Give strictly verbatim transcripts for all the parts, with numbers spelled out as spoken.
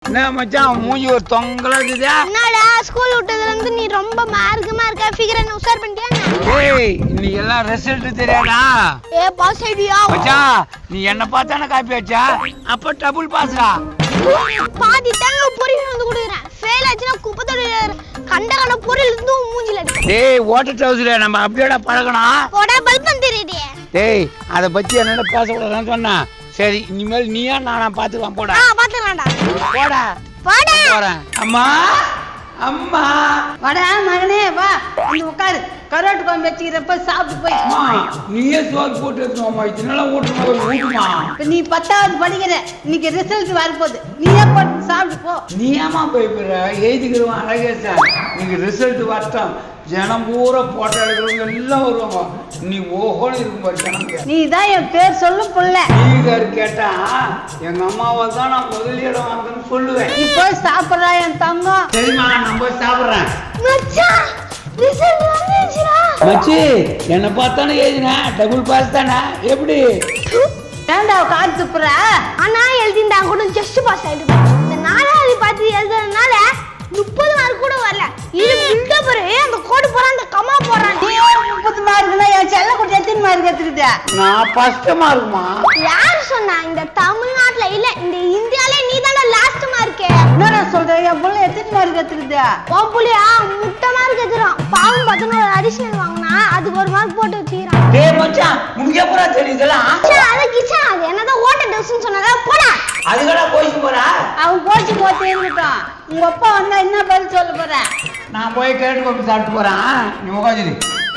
என்ன மச்சான் மூஞ்சி ஒரு தொங்கலா இருக்குதா? என்னடா ஸ்கூல் விட்டதுல இருந்து நீ ரொம்ப மார்க்கமா இருக்க, ஃபிகரை உஷார் பண்ணிட்டியா? ஏய் இன்னைக்கு எல்லாம் ரிசல்ட் தெரியாதா? ஏ பாஸ் ஐடியா மச்சான் நீ என்ன பார்த்தானே காப்பி அடிச்சா? அப்ப டபுள் பாஸ்டா. பாதி தாங்க பொரியல் வந்து குடுக்குறேன். ஃபெயில் ஆச்சுனா குப்பத்தோட கண்ட கண்ட பொரியல் இருந்து மூஞ்சில அடிச்சு. டேய் வாட்டர் ட்ரவுசரே நம்ம அப்படியேடா பழகணும். போடா பல்பம் தெரியுதே. டேய் அத பத்தி என்னடா பேச கூடாதுன்னு சொன்னா. சரி இனிமேல் நீயா நானா பாத்துக்கலாம் போடா. ஆ பாத்துக்கலாம்டா. போடா. போடா. போறேன். அம்மா அம்மா வாடா மகனே வா வந்து உட்காரு. கரோட்டு குழம்பு வச்சுக்கிறப்ப சாப்பிட்டு போய். அம்மா நீயே சோறு போட்டு எடுத்துமா இதனால ஓட்டுமா ஊட்டுமா. இப்ப நீ பத்தாவது படிக்கிற, இன்னைக்கு ரிசல்ட் வரப்போகுது, நீயே போட்டு சாப்பிட்டு போ. நீ ஏமா போய்பிற எழுதிக்கிறவன் அழகே சார். நீங்க ரிசல்ட் வரட்டும் ஜனம் பூரா போட்டோ எடுக்கிறவங்க எல்லாம் வருவாங்க. நீ ஓஹோன்னு இருக்கும் பாரு ஜனங்க. நீ தான் என் பேர் சொல்லும் புள்ள. நீங்க கேட்டா எங்க அம்மாவை தான் நான் முதலிடம் வாங்கன்னு சொல்லுவேன். நீ போய் சாப்பிடுறா என் தங்கம். சரிம்மா நான் போய் சாப்பிடுறேன். மச்சான் ரிசல்ட் வந்துருச்சுடா. மச்சி என்ன பார்த்தானே எழுதினா டபுள் பாஸ் தானே எப்படி? ஏண்டா காத்து துப்புற? ஆனா எழுதிண்டா கூட ஜஸ்ட் பாஸ் ஆயிடுச்சு. இந்த நாலாவது பார்த்து எழுதுறதுனால முப்பது மார்க் கூட வரல. இது பில்டப் அந்த கோடு போற அந்த கமா போறான். முப்பது மார்க்னா என் செல்ல கூட எத்தனை மார்க் எடுத்துக்கிட்ட? நான் ஃபர்ஸ்ட் மார்க்மா. யார் சொன்னா? இந்த தமிழ்நாட்டுல இல்ல இந்த இந்தியால நீ தான லாஸ்ட் மார்க். என்ன சொல்றேன்? என் புள்ள எத்தனை மார்க் எடுத்துக்கிட்ட? உன் புள்ளையா முட்டை மார்க் எடுத்துறான். பாவம் பதினோரு அடிஷனல் வாங்கினா அதுக்கு ஒரு மார்க் போட்டு வச்சுக்கிறான். டேய் மச்சான் உனக்கு எப்பறா தெரியுதலாம்? அது கிச்சா அது என்னதான் ஓட்ட டெஸ்ட்னு சொன்னதா போடா. அதுகடா போயிட்டு போறா. அவன் போச்சு போட்டு இருந்துட்டான். உங்க அப்பா வந்தா என்ன பதில் சொல்ல போற? நான் போய் கேட்டு போட்டு சாப்பிட்டு போறேன். நீ உட்காந்து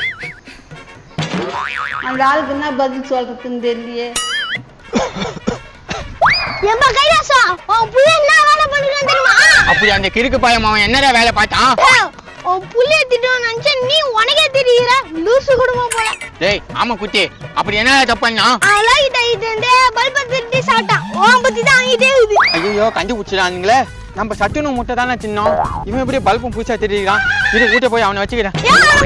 அந்த ஆளுக்கு என்ன பதில் சொல்றதுன்னு தெரியலையே. ஏம்பா கைலாசா உன் புள்ள என்ன வேலை பண்ணிருக்கான் தெரியுமா? அப்படி அந்த கிறுக்கு பையன் அவன் என்னடா வேலை பார்த்தான்? உன் புள்ளைய திட்டுன்னு நினைச்சா நீ உனக்கே தெரியுற லூசு குடும்பம் போல. டேய் ஆமா குட்டி அப்படி என்னடா தப்பு பண்ணா? அழகிட்ட இது பல்ப திருட்டி சாப்பிட்டான். உன் பத்தி தான் ஆகிட்டே இருக்குது. ஐயோ கண்டுபிடிச்சிடானுங்களே. நம்ம சட்டுன்னு முட்டை தானே தின்னோம். இவன் எப்படி பல்பும் பூச்சா தெரியுறான்? இரு வீட்டை போய் அவனை வச்சுக்கிறேன்.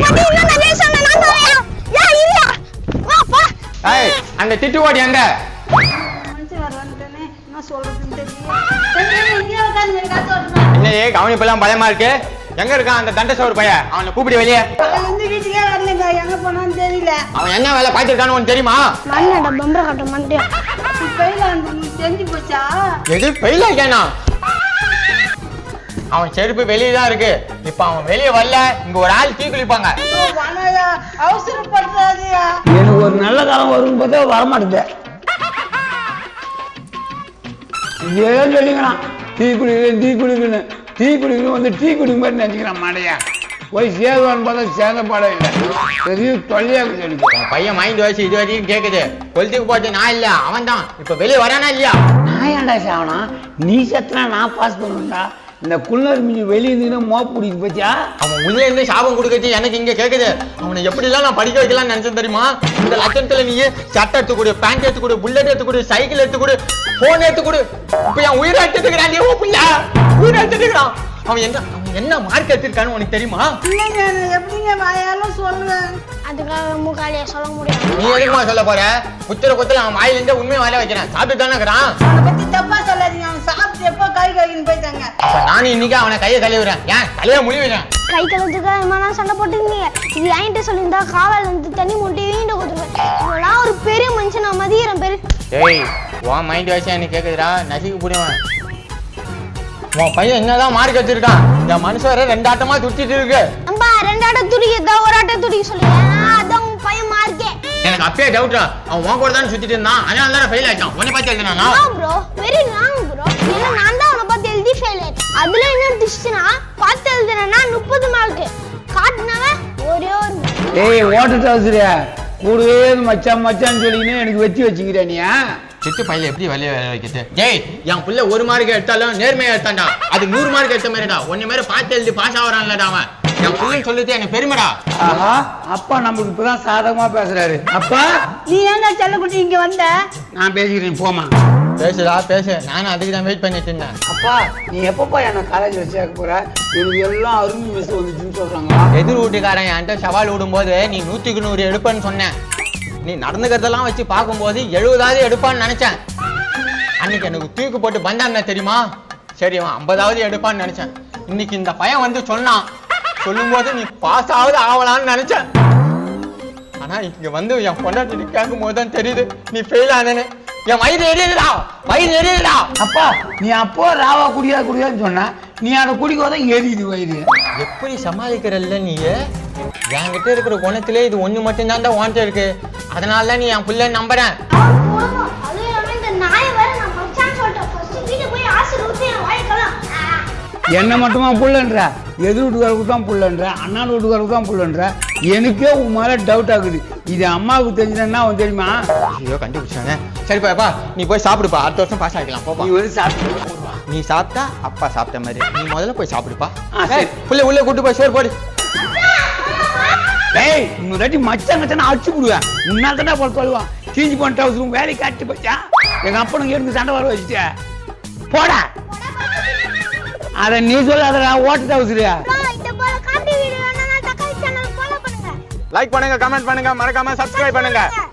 ஏய் அந்த திட்டு ஓடி எங்க? மனுஷன் வர வந்துட்டானே, என்ன சொல்றதுன்னு தெரியல. என்னையே கவனிப்பெல்லாம் பயமா இருக்கு. எங்க இருக்கான் அந்த தண்டசோறு பையன்? அவனை கூப்பிடு வெளியே. வந்து வீட்டுக்கே வரலங்க, எங்க போனான்னு தெரியல. அவன் என்ன வேலை பார்த்துருக்கான்னு உனக்கு தெரியுமா? மண்ணட பம்பர கட்ட மாட்டியா? ஃபெயில் ஆனது தெரிஞ்சு போச்சா? எது ஃபெயில் ஆகியானா? அவன் செருப்பு வெளியே தான் இருக்கு. இப்ப அவன் வெளியே வரல இங்க ஒரு ஆள் தீ குளிப்பாங்க. அவசரப்படுறாதியா? எனக்கு ஒரு நல்ல காலம் வரும் பார்த்தா வரமாட்டேது. ஏன் சொல்லிக்கிறான் டீ குடிக்கிறேன் டீ குடிக்கணும் டீ குடிக்கணும் வந்து டீ குடிக்க மாதிரி நினைச்சுக்கிறான் மாடையா. போய் சேருவான்னு பார்த்தா சேர்ந்த பாடம் இல்லை. பெரிய தொல்லையாக சொல்லிக்கிறேன். பையன் மைண்ட் வயசு இது வரைக்கும் கேக்குது. கொளுத்துக்கு போட்டு நான் இல்ல அவன் தான். இப்ப வெளியே வரானா இல்லையா? நான் ஏன்டா சாவனா? நீ சத்துனா நான் பாஸ் பண்ணுவேன்டா. இந்த குள்ளர் மீதி வெளியே இருந்து மோப்பு பிடிக்கு பத்தியா? அவன் உள்ளே இருந்து சாபம் கொடுக்கறது எனக்கு இங்க கேக்குது. அவனை எப்படி எல்லாம் நான் படிக்க வைக்கலாம்னு நினைச்சேன் தெரியுமா? இந்த லட்சத்துல நீ சட்டை எடுத்து கொடு, பேண்ட் எடுத்து கொடு, புல்லட் எடுத்து கொடு, சைக்கிள் எடுத்து கொடு, போன் எடுத்து கொடு. இப்ப என் உயிரை எடுத்துக்கிறான். ஓ புள்ள உயிரை எடுத்துக்கிறான். அவன் என்ன அவன் என்ன மார்க் எடுத்திருக்கான்னு உனக்கு தெரியுமா? இல்லைங்க எப்படிங்க வாயாலும் சொல்லுவேன். அதுக்காக மூக்காலியா சொல்ல முடியும். நீ எதுக்குமா சொல்ல போற? குத்துற குத்துல அவன் வாயில இருந்து உண்மையை வாயில வைக்கிறேன். சாப்பிட்டு தானே இருக்கிறான். அவனை பத்தி தப்பா சொல்லாதீங்க. அவன் சாப்பிட்டு எப்போ கை கழுவின்னு போயிட்டாங்க. அப்ப நானும் இன்னைக்கு அவனை கையை கழுவுறேன். ஏன் தலையை முழுவிடுறேன். கை கலத்துக்காக என்ன சண்டை போட்டுருந்தீங்க? இது என்கிட்ட சொல்லியிருந்தா காவல் வந்து தண்ணி மூட்டி வீண்ட கொடுத்துருவேன். இவெல்லாம் ஒரு பெரிய மனுஷன் நான் மதிக்கிறேன் பேரு. ஏய் உன் மைண்ட் வயசா எனக்கு கேக்குதுடா. நசிக்கு புரியுவேன். உன் பையன் என்னதான் மார்க் வச்சிருக்கான்? என் மனுஷன் வர ரெண்டு ஆட்டமா துடிச்சிட்டு இருக்கு. அம்பா ரெண்டு ஆட்டம் துடிக்கிறதா ஒரு ஆட்டம் துடிக்க சொல்லுங்க. அதான் உன் பையன் மார்க்கே. எனக்கு அப்பயே டவுட்டா. அவன் உன் கூட தானே சுத்திட்டு இருந்தான். அதனால தானே ஃபெயில் ஆயிட்டான். உன்னை பார்த்து எழுதினானா? Bro very wrong bro. ஏன்னா நான் தான் அவனை பார்த்து எழுதி ஃபெயில் ஆயிட்டேன். அதுல என்ன டிஸ்ட்னா பார்த்து எழுதுனா முப்பது மார்க் காட்டுனவன் ஒரே ஒரு. ஏய் ஓட்டர் ட்ரவுசரே கூடவே மச்சான் மச்சான்னு சொல்லிக்கினே எனக்கு வச்சு வச்சுக்கிற நீ. சிட்டு பையில எப்படி வெளியே வேலை வைக்கிறது? டேய் என் புள்ள ஒரு மார்க் எடுத்தாலும் நேர்மையா எடுத்தான்டா. அது நூறு மார்க் எடுத்த மாதிரிடா. ஒன்னு மாதிரி பார்த்து எழுதி பாஸ் ஆகிறான்லடா அவன். என் புள்ளன்னு சொல்லிட்டு எனக்கு பெருமைடா. ஆஹா அப்பா நமக்கு இப்பதான் சாதகமா பேசுறாரு. அப்பா நீ ஏன்டா செல்லக்குட்டி இங்க வந்த? நான் பேசிக்கிறேன் போமா. பேசுடா பேசு. நானும் அதுக்கு தான் வெயிட் பண்ணிட்டு இருந்தேன். அப்பா நீ எப்பப்பா என்ன காலேஜ்ல சேர்க்க போற? எனக்கு எல்லாம் அருமை மிஸ் வந்துச்சுன்னு சொல்றாங்க. எதிர் வீட்டுக்காரன் என்கிட்ட சவால் விடும் போது நீ நூத்துக்கு நூறு எடுப்பேன்னு சொன்னேன். நீ நடந்துக்கிறதெல்லாம் வச்சு பார்க்கும்போது எழுபதாவது எடுப்பான்னு நினைச்சேன். அன்னைக்கு எனக்கு தூக்கு போட்டு பந்தாருன்னா தெரியுமா? சரி அவன் ஐம்பதாவது எடுப்பான்னு நினைச்சேன். இன்னைக்கு இந்த பையன் வந்து சொன்னான், சொல்லும்போது நீ பாஸ் ஆகுது ஆகலான்னு நினைச்சேன். ஆனா இங்க வந்து என் பொண்டாட்டி கேட்கும் போது தான் தெரியுது நீ ஃபெயில் ஆனேன்னு. என் வயிறு எரியுதுடா, வயிறு எரியுதுடா. அப்பா நீ அப்போ ராவா குடியா குடியான்னு சொன்ன, நீ அதை குடிக்கோதான் எரியுது வயிறு. எப்படி சமாளிக்கிறல்ல நீ? என்கிட்ட இருக்கிற குணத்திலே இது ஒண்ணு மட்டும் தான் உன்கிட்ட இருக்கு. அதனால தான் நீ என் பிள்ளை நம்புறேன். அவன் போடுவான். அதுவும் இல்லாம இந்த நாயை வேற நான் மச்சான்னு சொல்லிட்டேன். ஃபர்ஸ்ட் வீட்டுக்கு போய் ஆசை ஊத்தி என் வாய்க்கலாம். என்ன மட்டுமா புள்ளன்ற, எதிர் வீட்டுக்காரருக்கு தான் புள்ளன்ற, அண்ணாடு வீட்டுக்காரருக்கு தான் புள்ளன்ற. எனக்கே உன் மேலே டவுட் ஆகுது. இது அம்மாவுக்கு தெரிஞ்சதுன்னா அவன் தெரியுமா? ஐயோ கண்டுபிடிச்சானே. சரிப்பா நீ போய் சாப்பிடுப்பா, அடுத்த வருஷம் பாஸ் ஆகிக்கலாம். போப்பா நீ வந்து சாப்பிட்டு நீ சாப்பிட்டா அப்பா சாப்பிட்ட மாதிரி. நீ முதல்ல போய் சாப்பிடுப்பா. ஆ, சரி. புள்ள உள்ள கூட்டு போய் சோறு போடு. ஏய் இன்னொரு தாட்டி மச்சான் கச்சான அடிச்சு விடுவேன். முன்னாள் தானே போல சொல்லுவான், தீஞ்சு போன அவசரம் வேலை காட்டி போச்சா எங்க அப்பனுக்கு எனக்கு சண்டை வர வச்சுட்ட போடா. அத நீ சொல்லாதடா, ஓட்டு அவசரியா. இந்த போல காமெடி வீடியோ வேணும்னா தக்காளி சேனல் ஃபாலோ பண்ணுங்க. லைக் பண்ணுங்க, கமெண்ட் பண்ணுங்க, மறக்காம சப்ஸ்கிரைப் பண்ணுங்க.